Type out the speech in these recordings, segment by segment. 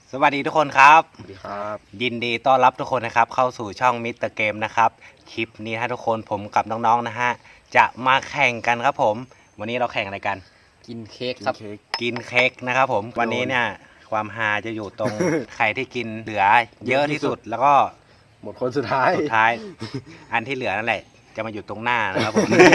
สวัสดีทุกคนครับสวัสดีครับยินดีต้อนรับทุกคนนะครับเข้าสู่ช่องมิสเตอร์เกมนะครับคลิปนี้ฮะทุกคนผมกับน้องๆนะฮะจะมาแข่งกันครับผมวันนี้เราแข่งอะไรกันกินเค้กครับกินเค้กนะครับผมวันนี้เนี่ยความฮาจะอยู่ตรง ใครที่กินเหลือเยอะที่สุดแล้วก็หมดคนสุดท้ายอันที่เหลือนั่นแหละจะมาอยู่ตรงหน้านะครับผม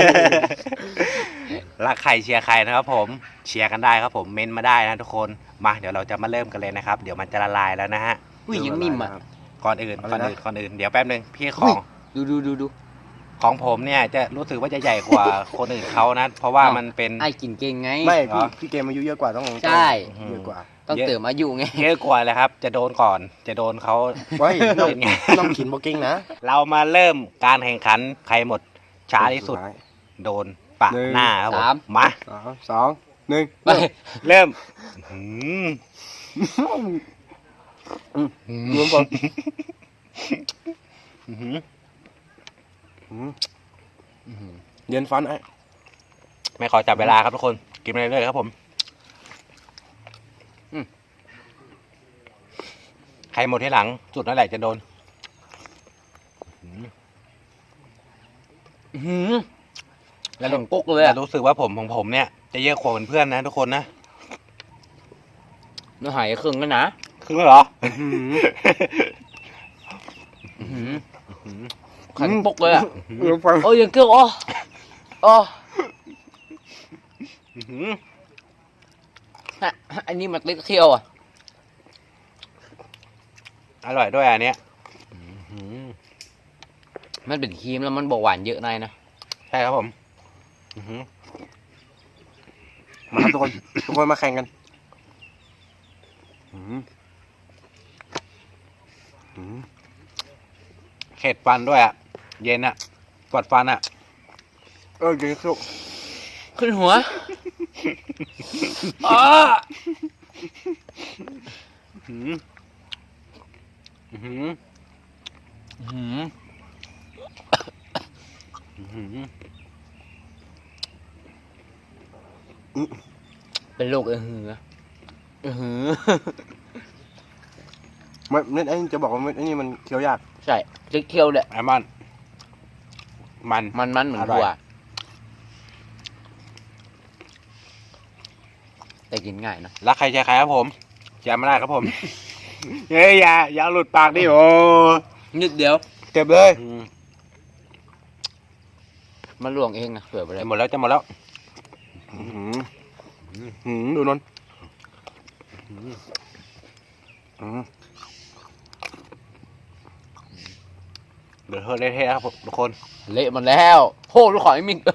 รักใครเชียร์ใครนะครับผมเชียร์กันได้ครับผมเม้นมาได้นะทุกคนมาเดี๋ยวเราจะมาเริ่มกันเลยนะครับเดี๋ยวมันจะละลายแล้วนะฮะอุ้ยยังนิ่มอ่ะก่อนอื่นเดี๋ยวแป๊บนึงพี่ของดูของผมเนี่ยจะรู้สึกว่าจะใหญ่กว่าคนอื่นเขานะ เพราะว่ามันเป็นไอ้กินเก่งไงไม่เหรอพี่เกมอายุเยอะกว่าต้องใช่เยอะกว่าต้องเติมอายุไงเยอะกว่าเลยครับ จะโดนก่อนจะโดนเขาไว้น้องเป็นไงน้องขินโบกิ้งนะเรามาเริ่มการแข่งขันใครหมดช้าที่สุด โดนปะหน้าครับผมมาสองหนึ่งไปเริ่มหืมรวมก่อนอื้อหือเย็นฟันไอ้ไม่ขอจับเวลาครับทุกคนกินไปเรื่อยๆครับผมใครหมดที่หลังสุดนั่นแหละจะโดนแล้วหลงกุ๊กเลยแต่อ่ะรู้สึกว่าผมของผมเนี่ยจะเยอะกว่าเพื่อนๆนะทุกคนนะเนื้อหายครึ่งกันนะครึ่งแล้วเหรอขันปุกเลยอ่ะรวมฟันโอ้ยยังเกลืออ๋อฮะอันนี้มันเล็กเคี้ยวอ่ะอร่อยด้วยอันเนี้ยมันเป็นครีมแล้วมันบอกหวานเยอะนายนะใช่ครับผมมาครับทุกคนทุกคนมาแข่งกันเข็ดฟันด้วยอ่ะเย็นอ่ะปวดฟันอ่ะเก่งสุดขึ้นหัวอ๋อหืมหืมหืมหืมเป็นโรคหือหือไม่เม็ดไอ้นี่จะบอกว่าเม็ดไอ้นี่มันเคี้ยวยากใช่เล็กเคี้ยวเลยไอ้มันมันเหมือนอร่อยถั่วแต่กินง่ายนะรักใครใจใครครับผมอย่ามาได้ครับผม เฮ้ยอย่าหลุดปากดิโอนิดเดียวเก็บเลยมันลวงเองนะเผื่อไปเลยจะหมดแล้วดูนนท์เดี๋ยวเธอเละๆครับผมทุกคนเละมันแล้วโหลูกขอไอ้มิง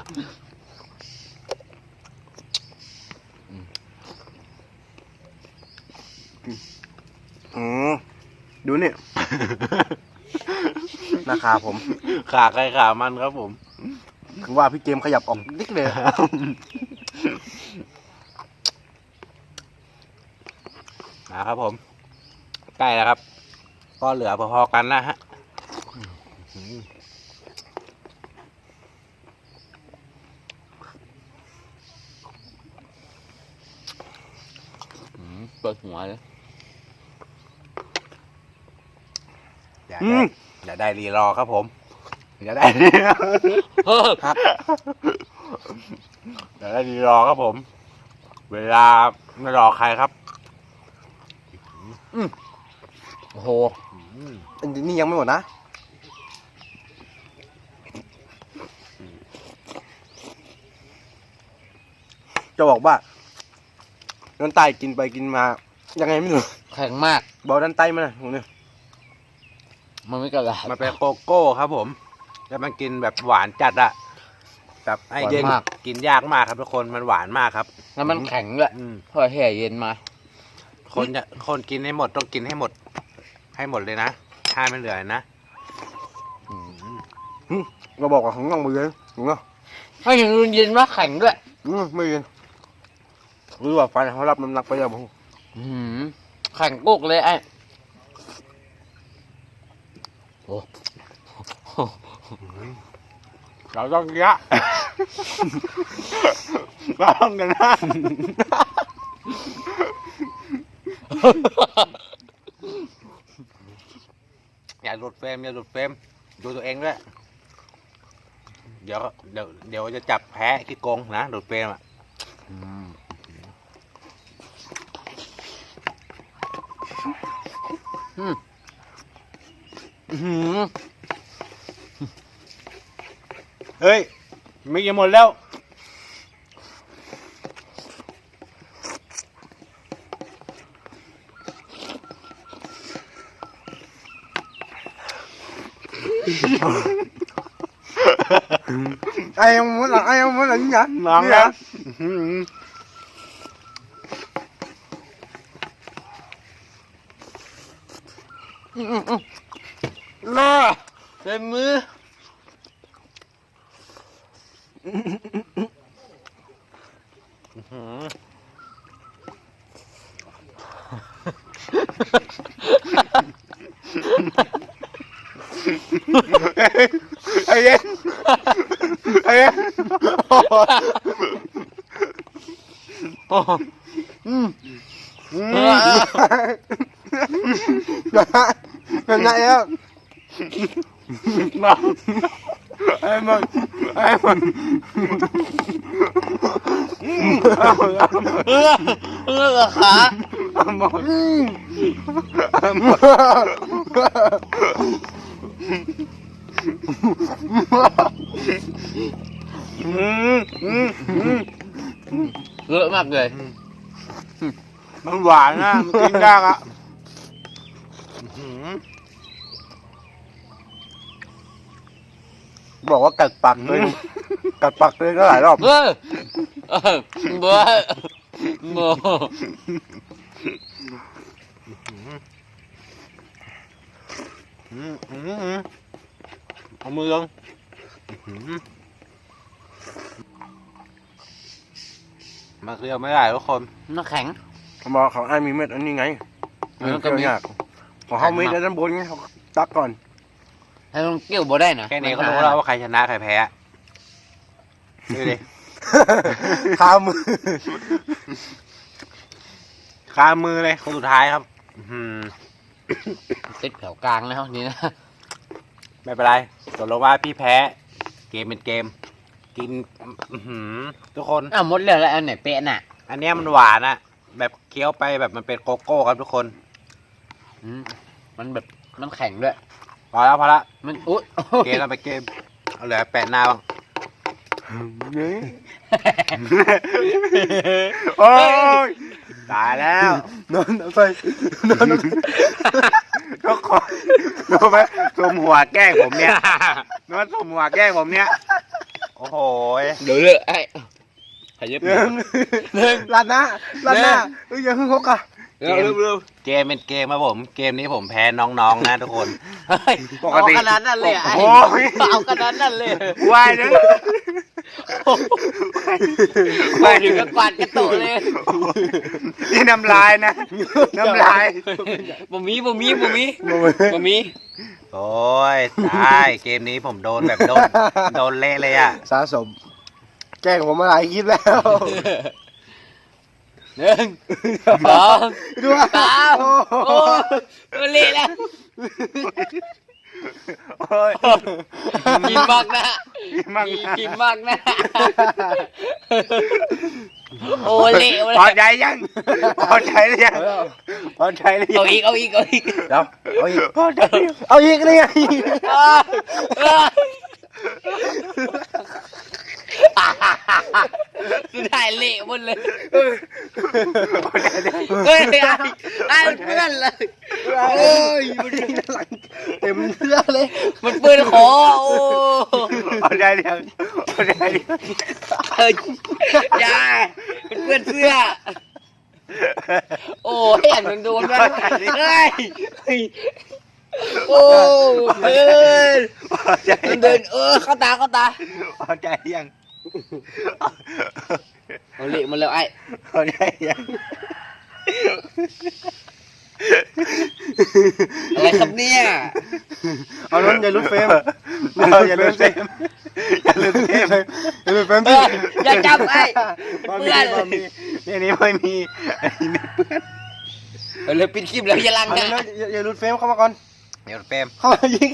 ดูนี่ หน้าขาผมขาใครขามันครับผมคือว่าพี่เกมขยับออกนิดเลยนะครับผมใกล้แล้วครับก็เหลือพอๆกันนะฮะเปิดหัวเลยอย่าได้รีรอครับผมอย่าได้ครับอย่าได้รีรอครับผม เวลาไม่รอใครครับโอ้โหอันนี้ยังไม่หมดนะ จะบอกว่าด้านใต้กินไปกินมา ยังไงไม่รู้แข็งมากเบาด้านใต้มาหน่อยตรงนี้มันไม่กระดาษมันเป็นโกโก้ครับผมแล้วมันกินแบบหวานจัดอะแบบไอ้เย็นหวานมากกินยากมากครับทุกคนมันหวานมากครับแล้วมันแข็งด้วยพอแห่เย็นมาคนกินให้หมดต้องกินให้หมดเลยนะห้ามไม่เหลือนะเราบอกว่าของน้องมือเลยถูกเนาะให้ถึงเย็นว่าแข็งด้วยไม่เย็นหรือว่าฟันเขารับน้ำหนักไปแล้วผมแข็งกุกเลยไอ้โอ้เราต้องเยอะเราต้องกันนะอย่าหลุดเฟรมอย่าหลุดเฟรมดูตัวเองด้วยเดี๋ยวจะจับแพ้ขี้โกงนะหลุดเฟรมอ่ะ เฮ้ยไม่ยังหมดแล้ว ai không muốn là ai không muốn là gì nhỉ ngon Gì lắm vậy? น่าเต็มมือ ai em ai em gần lại á em ơi em ơi ขา เลอะมากเลยมันหวานนะมันกินยากอ่ะบอกว่ากัดปากเลยกัดปากเลยก็หลายรอบเบ้อเบ้อโมเอามือลงมาเคี้ยวไม่ได้ทุกคนน้ำแข็งเขาบอกเขาไอ้มีเม็ดอันนี้ไงมันก็มีเกี่ยวยากของเขามีแต่ด้านบนไงเขาตักก่อนให้ลงเกี่ยวบ่ได้นะแค่นี้ก็รู้แล้วว่าใครชนะใครแพ้ดูดิคามือคามือเลยคนสุดท้ายครับติดแถวกลางแล้วนี่นะไม่เป็นไรตกลงว่าพี่แพ้เกมเป็นเกม กินทุกคนอ้าวหมดแล้วแล้วอันไหนเป๊ะน่ะอันเนี้ยมันหวานอะแบบเคี้ยวไปแบบมันเป็นโกโก้ครับทุกคนมันแบบมันแข็งด้วยพอแล้วพอละมันอุ๊ยเกมเราไปเกมเอาเหลือแปะหน้าบ้างโอ้ยตายแล้วนอนไปนอนไปทุกคนรู้ไหมสมหัวแกล้งผมเนี่ยนวดสมหัวแกล้งผมเนี่ยโอ้โหเดี๋ยวเลยไอ้ขยับหนึ่งลาดหน้าเอ้ยอย่าเพิ่งฮกอ่ะเร็วเกมเป็นเกมครับผม เกมนี้ผมแพ้น้องๆนะทุกคนเอาขนาดนั้นเลยไอ้โอ้ยเอาขนาดนั้นเลยว่ายนะไปถึงกับกวาดกระโตเลยนี่น้ำลายนะ น้ำลายบ่มีโโอ้ยตายเกมนี้ผมโดนแบบโดนเละเลยอ่ะสะสม แกล้งผมมาหลายคลิปแล้วหนึ่งสองดูว่าสามโอ้เละแล้วโอ้ยกินมากนะกินมากนะโอ้เละเลยพอใจยังพอใจหรือยังพอใจหรือยังเอาอีกเดี๋ยวเอาอีกเอาอีกเลยไงสุดท้ายเละหมดเลยพอใจหรือยังเฮ้ยไอ้เพื่อนเลยโอ้ยมันหลังเต็มเสื้อเลยมันเปื้อนคอโอ้พอใจหรือยังพอใจหรือยังยามันเปื้อนเสื้อโอ้เห็นมันโดนมันเฮ้ยโอ้เดินพอใจหรือเดิยันงเข้าตาพอใจหรือยังเอาเละหมาแล้วไอ้พอใจหรือยังอะไรครับเนี่ยเอาล้นอย่าลุดเฟรมอย่าลืมเซมอย่าลืมเซมอย่าลุดเฟรมอย่าจับไอ้บะหเพื่อนบะหมี่นี่นี่ไม่มีอันนี้ไม่เปื้อนเลยปิดคลิปแล้วอย่าลังเอานะเร็วๆอย่าหลุดเฟรมเข้ามาก่อนเดี๋ยวเฟรมเข้ามายิง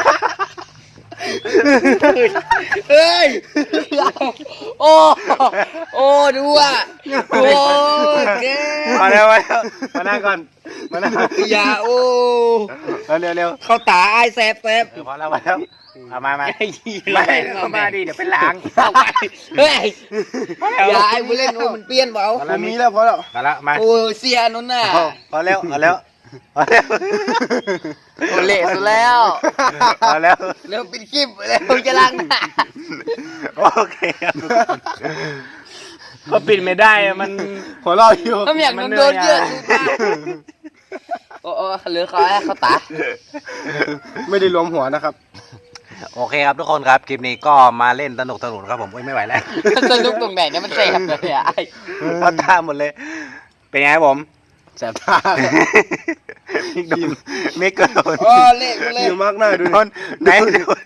เฮ้ยโอ้โอ้ดูอ่ะโอ้แกมาแล้วมานั่งก่อนมานั่งอย่าโอ้เร็วเข้าตาไอ้แสบพอแล้วมาแล้วเอามาไอ้ยี่ไม่เข้ามาดิเดี๋ยวเป็นล้างเฮ้ยอย่าไอ้บุเล่นโอ้มันเปลี่ยนเปล่ามันมีแล้วพอแล้วมาแล้วมาโอ้เสียนุ่นน่ะพอแล้วพอแล้วพอแล้วโอ้เละสุดแล้วพอแล้วเร็วปิดคลิปเร็วจะลังนะโอเคครับก็ปิดไม่ได้อะมันหัวเราะอยู่ถ้าอยากโดนเยอะสุดมากโอ้เหลือเขาเขาตาไม่ได้รวมหัวนะครับโอเคครับทุกคนครับคลิปนี้ก็มาเล่นสนุกครับผมไม่ไหวแล้วสนุกตรงไหนเนี่ยมันแสบเลยอ่ะเอาตาหมดเลย เป็นไงครับผมแสบตามิกโดนมิกก็โดนโอ้เละกูเละอยู่มากหน้าดูโดนไหนโดน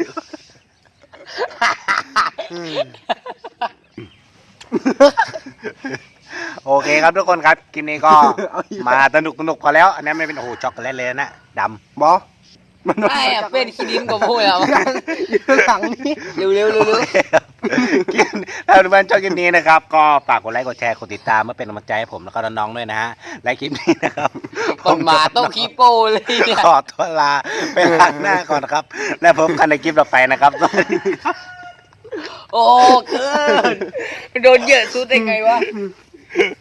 โอเคครับทุกคนครับคลิปนี้ก็มาสนุกพอแล้วอันนี้ไม่เป็นโอ้โหช็อกโกแลตเลยนะดำบอมันโดนไอ้อะเป็นขี้ดินกับพวกเราอยู่หลังนี่เร็วโอเคครับถ้าทุกท่านชอบคลิปนี้นะครับ ก็ฝากกดไลค์กดแชร์กดติดตามเพื่อเป็นกำลังใจให้ผมแล้วก็น้องๆด้วยนะฮะและคลิปนี้นะครับคนมาต้องคีโป้เลยเนี่ยขอตัวลาไปล้างหน้าก่อนครับ และพบกันในคลิปต่อไปนะครับสวัสดีครับโอ้เกินโดนเยอะสุดได้ไงวะ